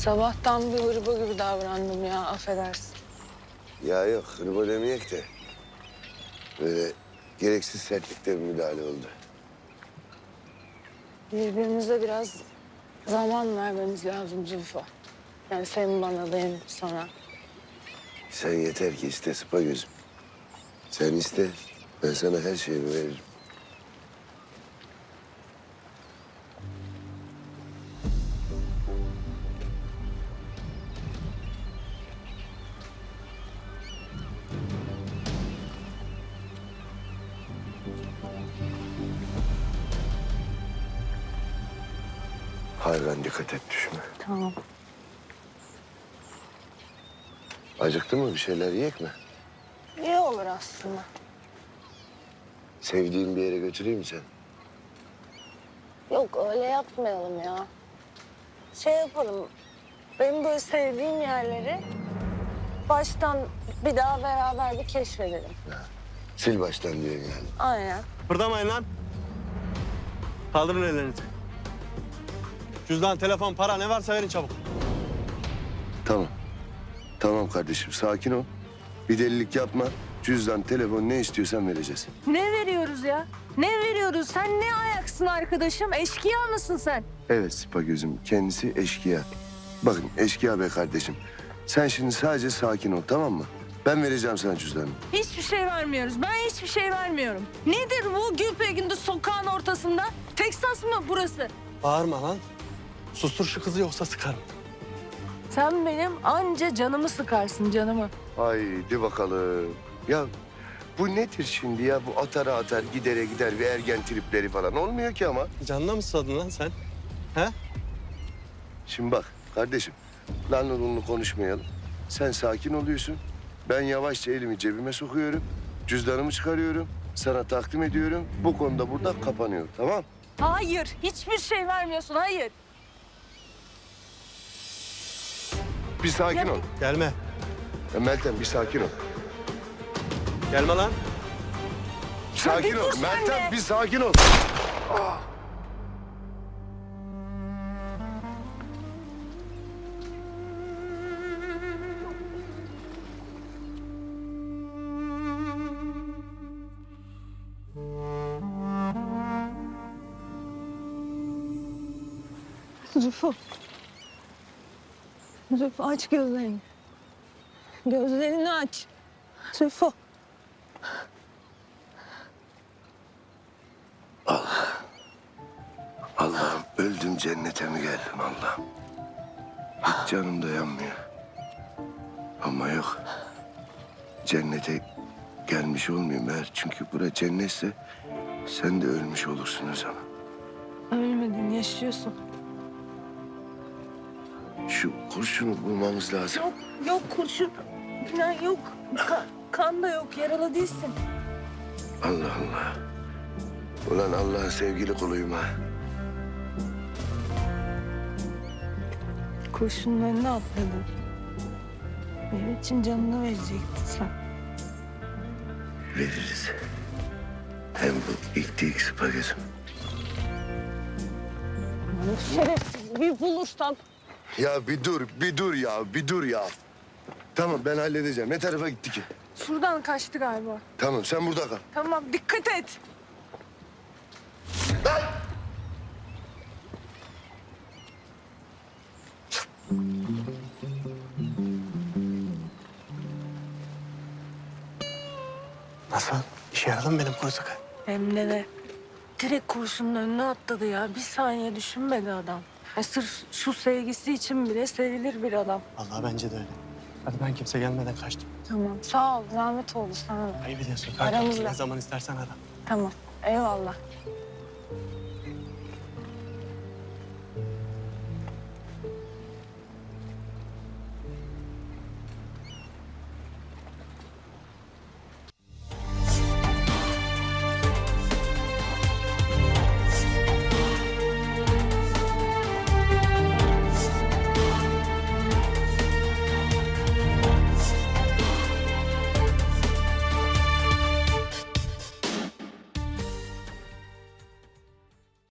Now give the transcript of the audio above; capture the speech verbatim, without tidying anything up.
Sabahtan bir hırba gibi davrandım ya, affedersin. Ya yok, hırba demeyek de. Böyle gereksiz sertlikte bir müdahale oldu. Birbirimize biraz zaman vermemiz lazım Zülfü. Yani sen bana, ben sana. Sen yeter ki iste sıpa gözüm. Sen iste, ben sana her şeyimi veririm. Hayvan dikkat et düşme. Tamam. Acıktı mı bir şeyler yiyek mi? İyi olur aslında. Sevdiğin bir yere götüreyim mi sen? Yok, öyle yapmayalım ya. Şey yapalım, benim böyle sevdiğim yerleri baştan bir daha beraber bir keşfedelim. Sil baştan diyorsun yani. Aynen. Kıpırdamayın lan. Kaldırın ellerinizi. Cüzdan, telefon, para ne varsa verin çabuk. Tamam. Tamam kardeşim, sakin ol. Bir delilik yapma. Cüzdan, telefon ne istiyorsan vereceğiz. Ne veriyoruz ya? Ne veriyoruz? Sen ne ayaksın arkadaşım? Eşkıya mısın sen? Evet Sıpa gözüm, kendisi eşkıya. Bakın eşkıya be kardeşim. Sen şimdi sadece sakin ol, tamam mı? Ben vereceğim sana cüzdanı. Hiçbir şey vermiyoruz. Ben hiçbir şey vermiyorum. Nedir bu Gülpegün'de sokağın ortasında? Texas mı burası? Bağırma lan. Sustur şu kızı yoksa sıkarım. Sen benim anca canımı sıkarsın canımı. Haydi bakalım. Ya bu nedir şimdi ya? Bu atara atar, gidere gider bir ergen tripleri falan olmuyor ki ama. Canına mı susadın lan sen? He? Şimdi bak kardeşim, lanlı lunlu konuşmayalım. Sen sakin oluyorsun. Ben yavaşça elimi cebime sokuyorum. Cüzdanımı çıkarıyorum. Sana takdim ediyorum. Bu konuda burada kapanıyor, tamam? Hayır, hiçbir şey vermiyorsun. Hayır. Bir sakin ol. Gelme. Ya Meltem bir sakin ol. Gelme lan. Sakin bir ol. dur sen Meltem de. bir sakin ol. Zülfü. Zülfü aç gözlerini. Gözlerini aç. Zülfü. Allah'ım öldüm cennete mi geldim Allah'ım? Hiç canım dayanmıyor. Ama yok. Cennete gelmiş olmayayım eğer. Çünkü bura cennetse sen de ölmüş olursun o zaman. Ölmedin, yaşıyorsun. Şu kurşunu bulmamız lazım. Yok, yok kurşun falan yok. Ka- kan da yok, yaralı değilsin. Allah Allah. Ulan Allah'ın sevgili kuluyum ha. Kurşunun önüne atladın. Benim için canını verecektin sen. Veririz. Hem bu ilk değil sıpa gözüm. Şerefsiz bir bulursam. Ya bir dur, bir dur ya, bir dur ya. Tamam ben halledeceğim. Ne tarafa gitti ki? Şuradan kaçtı galiba. Tamam sen burada kal. Tamam, dikkat et. Nasıl? İşe yaradı mı benim kuru sıkı? Hem de ne? Direkt kurşunun önüne atladı ya. Bir saniye düşünmedi adam. Ya sırf şu sevgisi için bile sevilir bir adam. Vallahi bence de öyle. Hadi ben kimse gelmeden kaçtım. Tamam sağ ol. Zahmet oldu sana da. Ayıp ediyorsun. Aramızda. Ne zaman istersen ara. Tamam. Eyvallah.